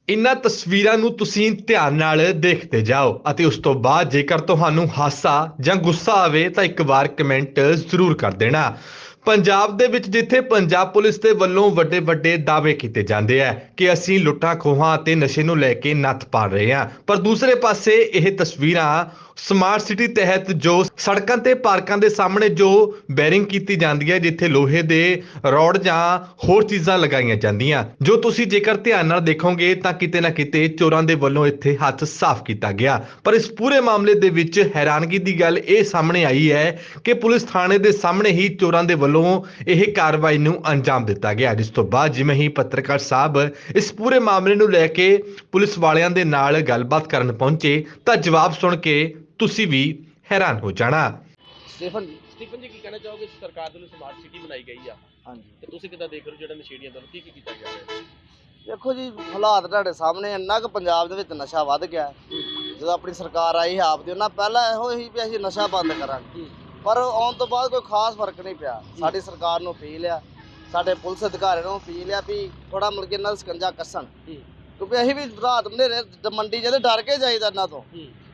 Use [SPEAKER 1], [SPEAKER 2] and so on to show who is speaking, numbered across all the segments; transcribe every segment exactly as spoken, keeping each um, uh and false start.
[SPEAKER 1] ਇਨ੍ਹਾਂ ਤਸਵੀਰਾਂ ਨੂੰ ਤੁਸੀਂ ਧਿਆਨ ਨਾਲ ਦੇਖਦੇ ਜਾਓ ਅਤੇ ਉਸ ਤੋਂ ਬਾਅਦ ਜੇਕਰ ਤੁਹਾਨੂੰ ਹਾਸਾ ਜਾਂ ਗੁੱਸਾ ਆਵੇ ਤਾਂ ਇੱਕ ਵਾਰ ਕਮੈਂਟ ਜ਼ਰੂਰ ਕਰ ਦੇਣਾ। ਪੰਜਾਬ ਦੇ ਵਿੱਚ ਜਿੱਥੇ ਪੰਜਾਬ ਪੁਲਿਸ ਦੇ ਵੱਲੋਂ ਵੱਡੇ ਵੱਡੇ ਦਾਅਵੇ ਕੀਤੇ ਜਾਂਦੇ ਆ ਕਿ ਅਸੀਂ ਲੁੱਟਾਂ ਖੋਹਾਂ ਅਤੇ ਨਸ਼ੇ ਨੂੰ ਲੈ ਕੇ ਨੱਥ ਪਾੜ ਰਹੇ ਹਾਂ, ਪਰ ਦੂਸਰੇ ਪਾਸੇ ਇਹ ਤਸਵੀਰਾਂ ਸਮਾਰਟ ਸਿਟੀ ਤਹਿਤ ਜੋ ਸੜਕਾਂ ਤੇ ਪਾਰਕਾਂ ਦੇ ਸਾਹਮਣੇ ਜੋ ਬੈਰਿੰਗ ਕੀਤੀ ਜਾਂਦੀ ਹੈ, ਜਿੱਥੇ ਲੋਹੇ ਦੇ ਰੋਡ ਜਾਂ ਹੋਰ ਚੀਜ਼ਾਂ ਲਗਾਈਆਂ ਜਾਂਦੀਆਂ, ਜੋ ਤੁਸੀਂ ਜੇਕਰ ਧਿਆਨ ਨਾਲ ਦੇਖੋਗੇ ਤਾਂ ਕਿਤੇ ਨਾ ਕਿਤੇ ਚੋਰਾਂ ਦੇ ਵੱਲੋਂ ਇੱਥੇ ਹੱਥ ਸਾਫ਼ ਕੀਤਾ ਗਿਆ। ਪਰ ਇਸ ਪੂਰੇ ਮਾਮਲੇ ਦੇ ਵਿੱਚ ਹੈਰਾਨਗੀ ਦੀ ਗੱਲ ਇਹ ਸਾਹਮਣੇ ਆਈ ਹੈ ਕਿ ਪੁਲਿਸ ਥਾਣੇ ਦੇ ਸਾਹਮਣੇ ਹੀ ਚੋਰਾਂ ਦੇ ਵੱਲੋਂ ਇਹ ਕਾਰਵਾਈ ਨੂੰ ਅੰਜਾਮ ਦਿੱਤਾ ਗਿਆ, ਜਿਸ ਤੋਂ ਬਾਅਦ ਜਿਵੇਂ ਹੀ ਪੱਤਰਕਾਰ ਸਾਹਿਬ ਇਸ ਪੂਰੇ ਮਾਮਲੇ ਨੂੰ ਲੈ ਕੇ ਪੁਲਿਸ ਵਾਲਿਆਂ ਦੇ ਨਾਲ ਗੱਲਬਾਤ ਕਰਨ ਪਹੁੰਚੇ ਤਾਂ ਜਵਾਬ ਸੁਣ ਕੇ ਤੁਸੀਂ ਵੀ ਹੈਰਾਨ ਹੋ ਜਾਣਾ।
[SPEAKER 2] ਸਟੀਫਨ
[SPEAKER 3] ਸਟੀਫਨ ਜੀ, ਕੀ ਕਹਿਣਾ ਚਾਹੋਗੇ? ਸਰਕਾਰ ਵੱਲੋਂ ਸਮਾਰਟ ਸਿਟੀ ਬਣਾਈ ਗਈ ਆ,
[SPEAKER 2] ਹਾਂਜੀ,
[SPEAKER 3] ਤੇ ਤੁਸੀਂ ਕਿੱਦਾਂ ਦੇਖ ਰਹੇ ਹੋ ਜਿਹੜਾ ਨਸ਼ੇੜੀਆਂ ਵੱਲੋਂ ਕੀ ਕੀ ਕੀਤਾ ਜਾ ਰਿਹਾ ਹੈ?
[SPEAKER 2] ਦੇਖੋ ਜੀ, ਹਾਲਾਤ ਤੁਹਾਡੇ ਸਾਹਮਣੇ, ਇੰਨਾ ਕੁ ਪੰਜਾਬ ਦੇ ਵਿੱਚ ਨਸ਼ਾ ਵੱਧ ਗਿਆ। ਜਦੋਂ ਆਪਣੀ ਸਰਕਾਰ ਆਈ ਆਪ ਦੀ, ਉਹਨਾਂ ਪਹਿਲਾਂ ਇਹੋ ਹੀ ਵੀ ਅਸੀਂ ਨਸ਼ਾ ਬੰਦ ਕਰਾਂਗੇ, ਪਰ ਆਉਣ ਤੋਂ ਬਾਅਦ ਕੋਈ ਖਾਸ ਫਰਕ ਨਹੀਂ ਪਿਆ। ਸਾਡੀ ਸਰਕਾਰ ਨੂੰ ਅਪੀਲ ਆ, ਸਾਡੇ ਪੁਲਿਸ ਅਧਿਕਾਰੀਆਂ ਨੂੰ ਅਪੀਲ ਆ ਵੀ ਥੋੜਾ ਮੁੜ ਕੇ ਇਹਨਾਂ ਦਾ ਸਕੰਜਾ ਕੱਸਣ, ਕਿਉਂਕਿ ਅਸੀਂ ਵੀ ਰਾਤ ਹਨੇਰੇ ਮੰਡੀ ਜਿਹਦੇ ਡਰ ਕੇ ਜਾਈਦਾ ਇਹਨਾਂ ਤੋਂ,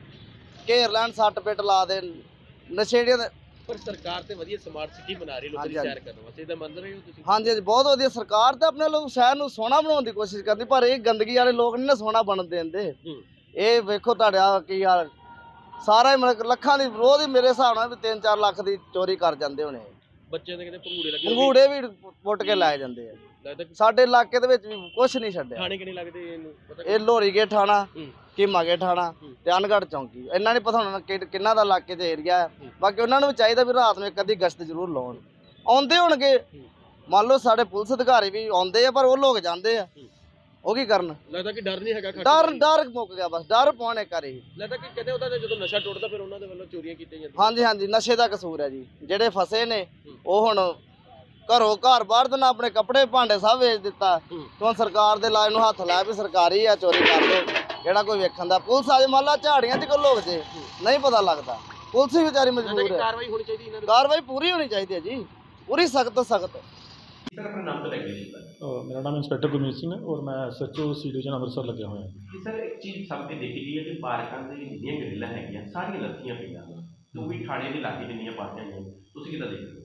[SPEAKER 2] ਘੇਰ ਲੈਣ, ਸੱਟ ਪਿੱਟ ਲਾ ਦੇਣ ਨਸ਼ੇੜੀਆਂ ਦੇ।
[SPEAKER 3] ਪਰ ਸਰਕਾਰ ਤੇ ਵਧੀਆ ਸਮਾਰਟ ਸਿਟੀ ਬਣਾ ਰਹੀ, ਲੋਕਾਂ ਦੀ ਸੈਰ ਕਰਨ ਵਾਸਤੇ, ਇਹਦਾ ਮੰਨ ਰਹੇ ਹੋ ਤੁਸੀਂ?
[SPEAKER 2] ਹਾਂਜੀ ਹਾਂਜੀ, ਬਹੁਤ ਵਧੀਆ। ਸਰਕਾਰ ਤਾਂ ਆਪਣੇ ਲੋਕ ਸ਼ਹਿਰ ਨੂੰ ਸੋਹਣਾ ਬਣਾਉਣ ਦੀ ਕੋਸ਼ਿਸ਼ ਕਰਦੀ, ਪਰ ਇਹ ਗੰਦਗੀ ਵਾਲੇ ਲੋਕ ਨਹੀਂ ਨਾ ਸੋਹਣਾ ਬਣਨ ਦਿੰਦੇ। ਇਹ ਵੇਖੋ ਤੁਹਾਡਾ ਕੀ ਯਾਰ, ਸਾਰਾ ਹੀ ਮਤਲਬ ਲੱਖਾਂ ਦੀ ਰੋਜ਼ ਹੀ ਮੇਰੇ ਹਿਸਾਬ ਨਾਲ ਵੀ ਤਿੰਨ ਚਾਰ ਲੱਖ ਦੀ ਚੋਰੀ ਕਰ ਜਾਂਦੇ ਹੋਣੇ।
[SPEAKER 3] ਬੱਚਿਆਂ ਦੇ ਕਿਤੇ ਭੰਗੂੜੇ ਲੱਗੇ,
[SPEAKER 2] ਭੰਗੂੜੇ ਵੀ ਪੁੱਟ ਕੇ ਲੈ ਜਾਂਦੇ ਆ। ਸਾਡੇ ਇਲਾਕੇ ਦੇ ਵਿੱਚ ਵੀ ਕੁਛ ਨਹੀਂ ਛੱਡਿਆ।
[SPEAKER 3] ਥਾਣੇ ਕਿੰਨੇ ਲੱਗਦੇ ਇਹਨੂੰ ਪਤਾ?
[SPEAKER 2] ਇਹ ਲੋਰੀਗੇ ਥਾਣਾ, ਕੀਮਾਗੇ ਥਾਣਾ ਤੇ ਅਨਗੜ੍ਹ ਚੌਂਕੀ, ਇਹਨਾਂ ਨੇ ਪਤਾ ਹੋਣਾ ਕਿੰਨਾ ਦਾ ਇਲਾਕੇ 'ਚ ਏਰੀਆ ਹੈ। ਬਾਕੀ ਉਹਨਾਂ ਨੂੰ ਵੀ ਚਾਹੀਦਾ ਵੀ ਰਾਤ ਨੂੰ ਇੱਕ ਅੱਧੀ ਗਸ਼ਤ ਜ਼ਰੂਰ ਲਾਉਣ। ਆਉਂਦੇ ਹੋਣਗੇ, ਮੰਨ ਲਓ ਸਾਡੇ ਪੁਲਿਸ ਅਧਿਕਾਰੀ ਵੀ ਆਉਂਦੇ ਆ, ਪਰ ਉਹ ਲੋਕ ਜਾਂਦੇ ਆ, ਉਹ ਕੀ ਕਰਨ?
[SPEAKER 3] ਲੱਗਦਾ ਕਿ ਡਰ ਨਹੀਂ ਹੈਗਾ,
[SPEAKER 2] ਡਰ ਡਰ ਮੁੱਕ ਗਿਆ, ਬਸ ਡਰ ਪਾਉਣੇ ਕਰੇ।
[SPEAKER 3] ਲੱਗਦਾ ਕਿ ਕਹਿੰਦੇ ਉਹਦਾ ਜਦੋਂ ਨਸ਼ਾ ਟੁੱਟਦਾ ਫਿਰ ਉਹਨਾਂ ਦੇ ਵੱਲੋਂ ਚੋਰੀਆਂ ਕੀਤੀਆਂ ਜਾਂਦੀਆਂ।
[SPEAKER 2] ਹਾਂਜੀ ਹਾਂਜੀ, ਨਸ਼ੇ ਦਾ ਕਸੂਰ ਹੈ ਜੀ। ਜਿਹੜੇ ਫਸੇ ਨੇ ਉਹ ਹੁਣ ਘਰੋਂ ਘਰ ਬਾਹਰ ਦੇ ਨਾਲ ਆਪਣੇ ਕੱਪੜੇ ਭਾਂਡੇ ਸਭ ਵੇਚ ਦਿੱਤਾ। ਹੁਣ ਸਰਕਾਰ ਦੇ ਲਾਜ ਨੂੰ ਹੱਥ ਲਾਇਆ ਵੀ ਸਰਕਾਰੀ ਆ, ਚੋਰੀ ਕਰ ਲਓ, ਜਿਹੜਾ ਕੋਈ ਵੇਖਣ ਦਾ। ਪੁਲਿਸ ਆ ਜੇ ਮੰਨ ਲਾ ਝਾੜੀਆਂ 'ਚ ਕੋਈ ਲੋਕ ਜੇ, ਨਹੀਂ ਪਤਾ ਲੱਗਦਾ। ਪੁਲਿਸ ਵੀ ਵਿਚਾਰੀ ਮਜਬੂਰ ਹੈ।
[SPEAKER 3] ਕਾਰਵਾਈ ਹੋਣੀ ਚਾਹੀਦੀ ਇਹਨਾਂ ਦੀ,
[SPEAKER 2] ਕਾਰਵਾਈ ਪੂਰੀ ਹੋਣੀ ਚਾਹੀਦੀ ਹੈ ਜੀ, ਪੂਰੀ ਸਖਤ ਤੋਂ ਸਖਤ।
[SPEAKER 3] ਸਰ, ਆਪਣਾ ਨਾਮ ਤਾਂ ਲੈ ਕੇ ਜੀ।
[SPEAKER 4] ਮੇਰਾ ਨਾਮ ਇੰਸਪੈਕਟਰ ਗੁਰਮੀਤ ਸਿੰਘ ਹੈ ਔਰ ਮੈਂ ਐਸਐਚਓ ਸੀ ਡਿਵੀਜ਼ਨ ਅੰਮ੍ਰਿਤਸਰ ਲੱਗਿਆ ਹੋਇਆ ਹਾਂ।
[SPEAKER 5] ਸਰ, ਇੱਕ ਚੀਜ਼ ਸਭ ਤੇ ਦੇਖੀ ਗਈ ਹੈ ਕਿ ਪਾਰਕਾਂ ਦੇ ਜਿੰਨੀਆਂ ਗਰਿੱਲਾਂ ਹੈਗੀਆਂ ਸਾਰੀਆਂ ਲੱਥੀਆਂ ਪਈਆਂ ਹਨ, ਉਹ ਵੀ ਥਾਣੇ ਦੇ ਲਾਗੇ ਜਿੰਨੀਆਂ ਪਾਰਕਾਂ ਹੈਗੀਆਂ, ਤੁਸੀਂ ਕਿੱਦਾਂ ਦੇਖਦੇ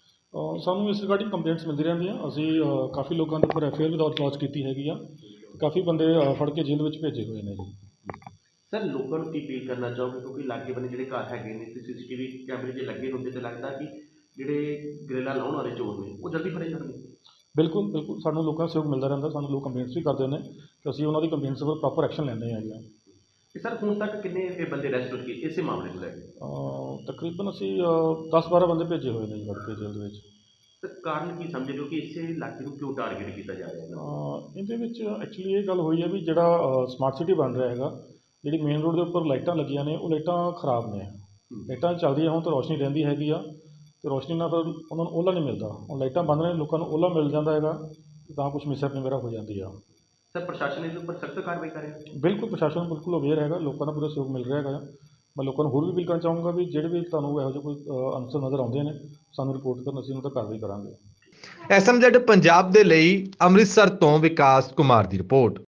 [SPEAKER 5] ਹੋ?
[SPEAKER 4] ਸਾਨੂੰ ਇਸ ਰਿਗਾਰਡਿੰਗ ਕੰਪਲੇਂਟਸ ਮਿਲਦੀ ਰਹਿੰਦੀਆਂ। ਅਸੀਂ ਕਾਫੀ ਲੋਕਾਂ ਦੇ ਉੱਪਰ ਐਫ ਆਈ ਆਰ ਵੀ ਲੌਂਚ ਕੀਤੀ ਹੈਗੀ ਆ, ਕਾਫੀ ਬੰਦੇ ਫੜ ਕੇ ਜੇਲ੍ਹ ਵਿੱਚ ਭੇਜੇ ਹੋਏ ਨੇ ਜੀ।
[SPEAKER 5] ਸਰ, ਲੋਕਾਂ ਨੂੰ ਕੀ ਅਪੀਲ ਕਰਨਾ ਚਾਹੋਗੇ, ਕਿਉਂਕਿ ਲਾਗੇ ਬੰਨੇ ਜਿਹੜੇ ਘਰ ਹੈਗੇ ਨੇ ਤੇ ਸੀ ਸੀ ਟੀ ਵੀ ਕੈਮਰੇ ਜੇ ਲੱਗੇ ਹੁੰਦੇ ਤਾਂ ਲੱਗਦਾ ਕਿ ਜਿਹੜੇ ਗਰਿੱਲਾਂ ਲਾਉਣ ਵਾਲੇ ਚੋਰ ਨੇ ਉਹ ਜਲਦੀ ਫੜੇ ਜਾਣਗੇ।
[SPEAKER 4] ਬਿਲਕੁਲ ਬਿਲਕੁਲ, ਸਾਨੂੰ ਲੋਕਾਂ ਦਾ ਸਹਿਯੋਗ ਮਿਲਦਾ ਰਹਿੰਦਾ, ਸਾਨੂੰ ਲੋਕ ਕੰਪਲੇਂਟਸ ਵੀ ਕਰਦੇ ਨੇ ਕਿ ਅਸੀਂ ਉਹਨਾਂ ਦੀ ਕੰਪਲੇਂਟਸ ਉੱਪਰ ਪ੍ਰੋਪਰ ਐਕਸ਼ਨ ਲੈਂਦੇ ਹੈਗੇ ਆ।
[SPEAKER 5] ਸਰ, ਹੁਣ ਤੱਕ ਕਿੰਨੇ ਇਹ ਬੰਦੇ ਅਰੈਸਟ ਹੋ ਗਏ ਇਸੇ ਮਾਮਲੇ ਨੂੰ ਲੈ ਕੇ?
[SPEAKER 4] ਤਕਰੀਬਨ ਅਸੀਂ ਦਸ ਬਾਰਾਂ ਬੰਦੇ ਭੇਜੇ ਹੋਏ ਨੇ ਜੀ ਫੜ ਕੇ ਜੇਲ੍ਹ ਦੇ ਵਿੱਚ।
[SPEAKER 5] ਸਰ, ਕਾਰਨ ਕੀ ਸਮਝਦੇ ਹੋ ਕਿ ਇਸੇ ਇਲਾਕੇ ਨੂੰ ਕਿਉਂ ਟਾਰਗੇਟ ਕੀਤਾ ਜਾ ਰਿਹਾ ਹੈ?
[SPEAKER 4] ਇਹਦੇ ਵਿੱਚ ਐਕਚੁਅਲੀ ਇਹ ਗੱਲ ਹੋਈ ਹੈ ਵੀ ਜਿਹੜਾ ਸਮਾਰਟ ਸਿਟੀ ਬਣ ਰਿਹਾ ਹੈਗਾ, ਜਿਹੜੀ ਮੇਨ ਰੋਡ ਦੇ ਉੱਪਰ ਲਾਈਟਾਂ ਲੱਗੀਆਂ ਨੇ ਉਹ ਲਾਈਟਾਂ ਖਰਾਬ ਨੇ। ਲਾਈਟਾਂ ਚੱਲਦੀਆਂ ਹੁਣ ਤਾਂ ਰੋਸ਼ਨੀ ਰਹਿੰਦੀ ਹੈਗੀ ਆ, ਅਤੇ ਰੋਸ਼ਨੀ ਨਾਲ ਫਿਰ ਉਹਨਾਂ ਨੂੰ ਓਲਾ ਨਹੀਂ ਮਿਲਦਾ। ਹੁਣ ਲਾਈਟਾਂ ਬੰਦ ਨੇ, ਲੋਕਾਂ ਨੂੰ ਓਲਾ ਮਿਲ ਜਾਂਦਾ ਹੈਗਾ, ਤਾਂ ਕੁਛ ਮਿਸਹੈਪਨਿੰਗ ਵਗੈਰਾ ਹੋ ਜਾਂਦੀ ਆ।
[SPEAKER 5] ਸਰ, ਪ੍ਰਸ਼ਾਸਨ ਇਹਦੇ ਉੱਪਰ ਸਖਤ ਕਾਰਵਾਈ ਕਰੇ?
[SPEAKER 4] ਬਿਲਕੁਲ, ਪ੍ਰਸ਼ਾਸਨ ਬਿਲਕੁਲ ਅਵੇਅਰ ਹੈਗਾ, ਲੋਕਾਂ ਦਾ ਪੂਰਾ ਸਹਿਯੋਗ ਮਿਲ ਰਿਹਾ ਹੈਗਾ। ਮੈਂ ਲੋਕਾਂ ਨੂੰ ਹੋਰ ਵੀ ਅਪੀਲ ਕਰਨਾ ਚਾਹੂੰਗਾ ਵੀ ਜਿਹੜੇ ਵੀ ਤੁਹਾਨੂੰ ਇਹੋ ਜਿਹੇ ਕੋਈ ਅਨਸਰ ਨਜ਼ਰ ਆਉਂਦੇ ਨੇ, ਸਾਨੂੰ ਰਿਪੋਰਟ ਕਰਨ, ਅਸੀਂ ਉਹਨਾਂ 'ਤੇ ਕਾਰਵਾਈ ਕਰਾਂਗੇ।
[SPEAKER 1] ਐਸ ਐਮ ਜ਼ੈਡ ਪੰਜਾਬ ਦੇ ਲਈ ਅੰਮ੍ਰਿਤਸਰ ਤੋਂ ਵਿਕਾਸ ਕੁਮਾਰ ਦੀ ਰਿਪੋਰਟ।